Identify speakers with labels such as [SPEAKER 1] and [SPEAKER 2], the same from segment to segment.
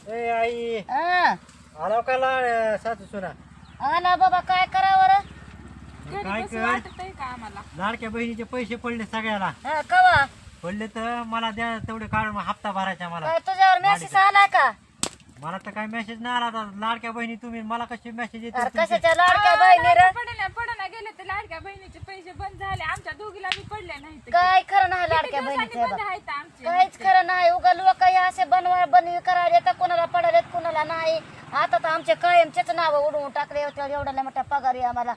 [SPEAKER 1] ए आई
[SPEAKER 2] हा
[SPEAKER 1] आलो का सासू सुना
[SPEAKER 2] आला बाबा काय करावं रे?
[SPEAKER 1] काय कर लाडक्या बहिणीचे पैसे पडले सगळ्याला
[SPEAKER 2] हा, कवा
[SPEAKER 1] पडले तर मला द्या तेवढे काढून हप्ता भरायचा मला
[SPEAKER 2] काय तुझ्यावर मेसेज आलाय का?
[SPEAKER 1] मला तर काय मेसेज नाही आला आता. लाडक्या बहिणी तुम्ही मला कशी मेसेज येते
[SPEAKER 2] अरे
[SPEAKER 1] तुमचे?
[SPEAKER 2] कशाच्या लाडक्या बहिणी रे?
[SPEAKER 3] पडना गेले तर लाडक्या बहिणीचे पैसे बंद झाले आमच्या दोघीला बी पडले नाही
[SPEAKER 2] काय खरं नाही लाडक्या बहिणीचं
[SPEAKER 3] बंद
[SPEAKER 2] बा.
[SPEAKER 3] आहेत आमचे
[SPEAKER 2] काहीच खरं नाही. उगा लोक हे असे बनवी करायला तर कोणाला पडालेत कोणाला नाही. आता तर आमचे कायमचेच नाव उडवून टाकले होते. एवढ्या मोठ्या पगारी आम्हाला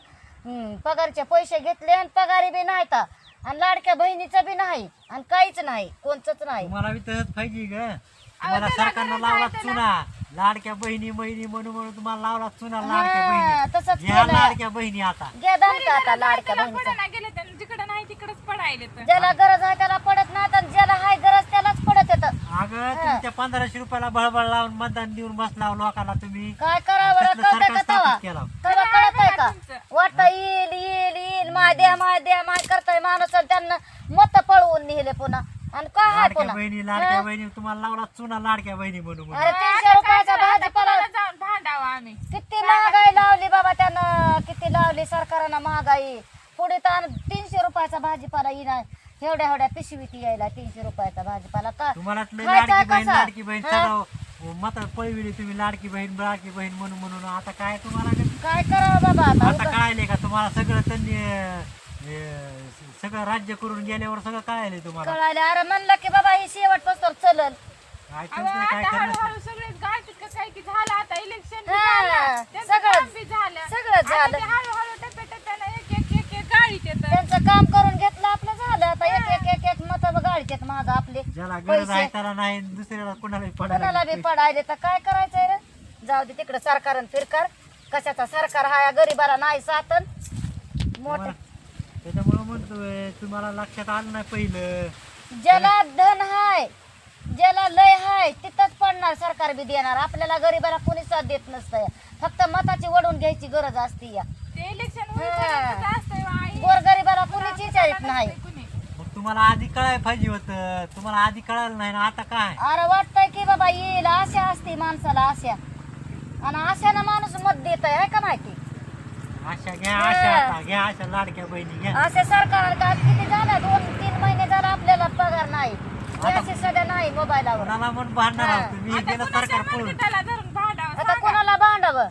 [SPEAKER 2] पगारचे पैसे घेतले आणि पगारी बी नाही तर आणि लाडक्या बहिणीचं बी नाही आणि काहीच नाही कोणचंच नाही.
[SPEAKER 1] तुम्हाला बी तसंच पाहिजे ग. तुम्हाला सरकारनं लावला चुना लाडक्या बहिणी म्हणून तुम्हाला लावला चुना लाडक्या
[SPEAKER 2] हा, तसंच
[SPEAKER 1] बहिणी ह्या
[SPEAKER 2] केलं.
[SPEAKER 1] लाडक्या बहिणी आता
[SPEAKER 2] घ्या दणका आता लाडक्या बहिणीचा.
[SPEAKER 3] पडना गेले तर जिकडे नाही तिकडेच पडायले तर
[SPEAKER 2] ज्याला गरज आहे त्याला पडत नाही तर ज्याला हाय गरज त्यालाच पडत येतं.
[SPEAKER 1] अगं तुम्ही त्या 1500 रुपयाला बळबळ लावून मतदान देऊन बसला लोकांना तुम्ही
[SPEAKER 2] काय करावं बरं?
[SPEAKER 1] कसलं
[SPEAKER 2] कळतंय
[SPEAKER 1] सरकार
[SPEAKER 2] का तवा?
[SPEAKER 1] स्थापित केलं
[SPEAKER 2] तवा कळत आहे का? वाटतं येईल येईल येईल माय द्या माय करताय माणूस आणि त्यांना मत पळवून नेले पुन्हा आणि काय आहे
[SPEAKER 1] लाडक्या
[SPEAKER 2] पुन्हा
[SPEAKER 1] बहिणी तुम्हाला लावला चुना लाडक्या बहिणी म्हणून
[SPEAKER 2] अरे 300 रुपयाचा भाजीपाला
[SPEAKER 3] जाऊन भांडावं आम्ही
[SPEAKER 2] किती महागाई लावली बाबा त्यानं किती लावली सरकारनं महागाई पुढे तर 300 रुपयाचा भाजीपाला येणार एवढ्या पिशवीत यायला 300 रुपयाचा भाजीपाला का
[SPEAKER 1] तुम्हाला लय
[SPEAKER 2] खायचा
[SPEAKER 1] लाडकी बहीण
[SPEAKER 2] कसा?
[SPEAKER 1] सगळं मत पळविली तुम्ही लाडकी बहीण म्हणून आता काय तुम्हाला
[SPEAKER 2] काय करावं बाबा आता
[SPEAKER 1] आता कळायले का तुम्हाला सगळं त्यांनी सगळं राज्य करून गेल्यावर सगळं कळायले तुम्हाला
[SPEAKER 2] कळाले अरे म्हणलं की बाबा ही शेवट पस्तर चलल
[SPEAKER 1] काय
[SPEAKER 3] अहो,
[SPEAKER 1] तुमचं काय
[SPEAKER 3] आता
[SPEAKER 1] खरं
[SPEAKER 3] हळूहळू सगळेच गाठीत का काय की झालं आता इलेक्शन
[SPEAKER 2] हा,
[SPEAKER 3] त्यांचं
[SPEAKER 2] सगळंच.
[SPEAKER 3] काम बी झालं
[SPEAKER 2] सगळंच
[SPEAKER 3] आता
[SPEAKER 2] झालं.
[SPEAKER 3] ते हळूहळू टप्प्याटप्प्यानं एक गाडीत येतं
[SPEAKER 2] त्यांचं काम करून घेतलं आपलं झालं आता एक मत गाडीत माझं आपले
[SPEAKER 1] ज्याला गरज
[SPEAKER 2] पैसे.
[SPEAKER 1] आहे त्याला नाही दुसऱ्याला कोणालाही
[SPEAKER 2] कोणाला
[SPEAKER 1] पडायला
[SPEAKER 2] बी पडायले तर काय करायचंय रे जाऊ दे तिकडे सरकार फिरकार कशाचा सरकार हा या गरीबाला नाही साधन मोठे
[SPEAKER 1] त्याच्यामुळे म्हणतोय तुम्हाला लक्षात आलं नाही पहिलं
[SPEAKER 2] ज्याला धन हाय ज्याला लय हाय तिथंच पडणार सरकार बी देणार आपल्याला गरीबाला कोणी साथ देत नसतंय फक्त मताची वडून घ्यायची गरज असते या
[SPEAKER 3] ते इलेक्शन
[SPEAKER 2] हा.
[SPEAKER 3] असतंय आई
[SPEAKER 2] गोरगरिबाला कोणीच विचारित नाही
[SPEAKER 3] कुणी
[SPEAKER 1] मग तुम्हाला आधी कळायला पाहिजे होतं तुम्हाला आधी कळालं नाही ना आता काय
[SPEAKER 2] अरे वाटतंय की बाबा येईल आशा असते माणसाला आशा आणि आशानं माणूस मत देत आहे का माहिती
[SPEAKER 1] आशा घ्या आशा आता घ्या आशा लाडक्या बहिणी घ्या
[SPEAKER 2] असे सरकार का किती झालं 2-3 महिने झालं आपल्याला पगार नाही असे सध्या नाही मोबाईलवर
[SPEAKER 1] कोणाला म्हणून भांडणार
[SPEAKER 2] हा.
[SPEAKER 1] आहोत तुम्ही गेलं सरकार पळून
[SPEAKER 3] त्याला धरून भांडावं
[SPEAKER 2] आता कोणाला भांडावं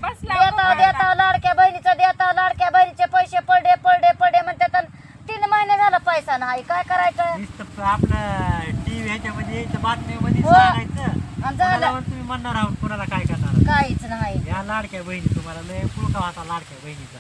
[SPEAKER 3] बसला
[SPEAKER 2] देता लाडक्या लाडक्या बहिणीचे पैसे पडे म्हणतात आणि 3 महिने झालं पैसा नाही काय करायचं
[SPEAKER 1] नुसतं आपलं टीव्ही ह्याच्यामध्ये यायचं बातमीमध्ये
[SPEAKER 2] हो.
[SPEAKER 1] सांगायचं
[SPEAKER 2] आणि
[SPEAKER 1] कोणाला
[SPEAKER 2] झालं
[SPEAKER 1] पण तुम्ही म्हणणार आहोत कोणाला काय करणार
[SPEAKER 2] काहीच नाही
[SPEAKER 1] या लाडक्या बहिणी तुम्हाला लय पुळका होता लाडक्या बहिणीचा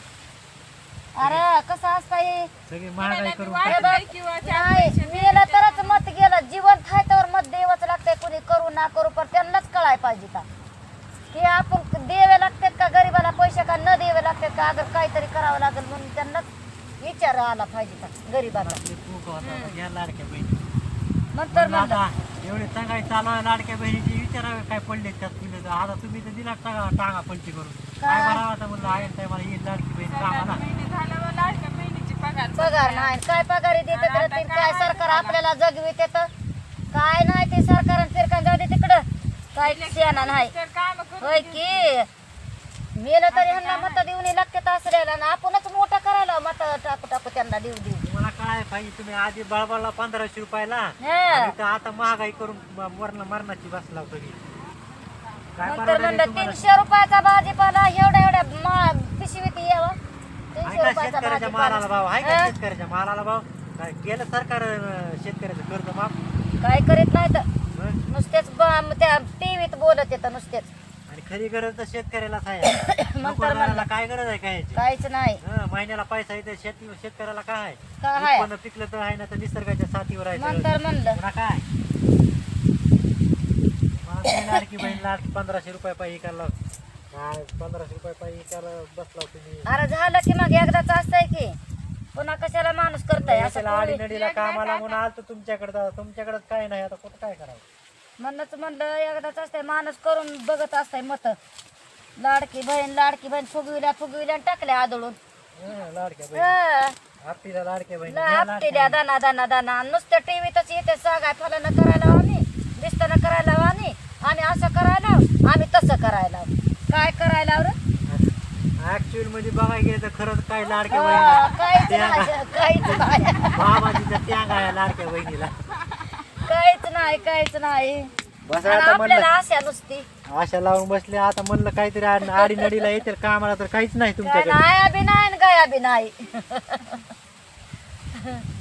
[SPEAKER 2] अरे कसं असतंय
[SPEAKER 1] सगळी महागाई करून
[SPEAKER 2] अरे
[SPEAKER 1] टाकली.
[SPEAKER 2] बाप,
[SPEAKER 3] किंवा
[SPEAKER 2] नाही मेलं तरच मत गेलं जिवंत आहे तर मत द्यावंच लागतंय कुणी करू ना करू पण त्यांनाच कळाय पाहिजे का की आपण द्यावे लागतात का गरीबाला पैसे का न द्यावे लागतात का अगर काहीतरी करावं लागेल म्हणून त्यांनाच विचार आला पाहिजे का गरीबाला
[SPEAKER 1] लय पुळका होता या लाडक्या बहिणी
[SPEAKER 2] नंतर
[SPEAKER 1] म्हणलं
[SPEAKER 2] म्हणलं
[SPEAKER 1] आता एवढे सांगाय चालू आहे लाडक्या बहिणीची विचारावे काय पडले त्यात तुम्ही तर आता तुम्ही तर दिला टांगा पलटी करून काय बरं आता म्हणलं आहे काय मला ही लाडकी बहीण कामाला
[SPEAKER 3] महिने झाल्यावर लाडक्या बहिणीची
[SPEAKER 2] पगार नाही काय पगारी देते तर ते काय सरकार आपल्याला जगवित येतं काय नाही ते सरकार फिरकान जाऊ दे तिकडं काय शेणा नाही
[SPEAKER 3] तर काम
[SPEAKER 2] होय की मेलं तरी ह्यांना मत देऊन लागतात असल्याला ना आपणच मोठं करायला मत टाकू त्यांना देऊ
[SPEAKER 1] तुम्हाला काय पाहिजे तुम्ही आधी बळबळला 1500 रुपयाला
[SPEAKER 2] हा.
[SPEAKER 1] आणि इथं आता महागाई करून मरणाची बसला तुम्ही काय
[SPEAKER 2] नंतर
[SPEAKER 1] परवडेल
[SPEAKER 2] म्हणलं
[SPEAKER 1] तुम्हाला?
[SPEAKER 2] 300 रुपयाचा भाजीपाला एवढ्या पिशवीत यावं 300
[SPEAKER 1] आहे का
[SPEAKER 2] रुपयाचा
[SPEAKER 1] शेतकऱ्याच्या मालाला भाव आहे का
[SPEAKER 2] हा?
[SPEAKER 1] शेतकऱ्याच्या मालाला भाव काय केलं सरकार शेतकऱ्याचं कर्ज माफ
[SPEAKER 2] काय करीत नाही तर
[SPEAKER 1] हं?
[SPEAKER 2] नुसतेच त्या टीव्हीत बोलत येतं नुसतेच
[SPEAKER 1] आणि खरी गरज तर शेतकऱ्यालाच आहे नोकरदाराला काय गरज आहे काय
[SPEAKER 2] काहीच नाही
[SPEAKER 1] महिन्याला पैसा येते शेतकऱ्याला काय आहे?
[SPEAKER 2] काय आहे?
[SPEAKER 1] उत्पन्न पिकलं तर आहे ना तर निसर्गाच्या साथीवर आहे सगळं.
[SPEAKER 2] नंतर म्हणलं
[SPEAKER 1] पुन्हा काय मला ते लाडकी बहीण लाडकी 1500 रुपये पाहिजे करायला काय 1500 रुपये पाहिजे करायला बसला तुम्ही
[SPEAKER 2] अरे झालं की मग एकदाच असतंय की पुन्हा कशाला माणूस करताय असं
[SPEAKER 1] त्याला आडी
[SPEAKER 2] कोणी-
[SPEAKER 1] नडीला कामाला म्हणून आलतो तुमच्याकडे तुमच्याकडे काय नाही आता कुठं काय करावं
[SPEAKER 2] म्हणूनच म्हणलं एकदाच असतंय माणूस करून बघत असतंय मत लाडकी बहीण फुगविल्या टाकल्या आदळून
[SPEAKER 1] लाडक्या बहीण आपटीला लाडक्या बहीण घ्या लाडक्या
[SPEAKER 2] आपटिल्या दाना नुसतं टीव्हीतच येते सांगाय फलन करायला आम्ही दिसताना करायला आम्ही असं करायला
[SPEAKER 1] मध्ये बघायला गेलं तर खरंच काय लाडक्या
[SPEAKER 2] काहीच
[SPEAKER 1] बहिणीला
[SPEAKER 2] नाही काहीच नाही
[SPEAKER 1] बाबाजीचा त्याग आहे लाडक्या बहिणीला.
[SPEAKER 2] काहीच नाही
[SPEAKER 1] बस
[SPEAKER 2] आणि
[SPEAKER 1] आता
[SPEAKER 2] आपल्याला
[SPEAKER 1] म्हणलं
[SPEAKER 2] आशा नुसती
[SPEAKER 1] आशा लावून बसले. आता म्हणलं काहीतरी आडीनडीला येतील कामाला तर काहीच नाही
[SPEAKER 2] काय
[SPEAKER 1] तुमच्याकडे.
[SPEAKER 2] नाही बी नाही आणि गया बी नाही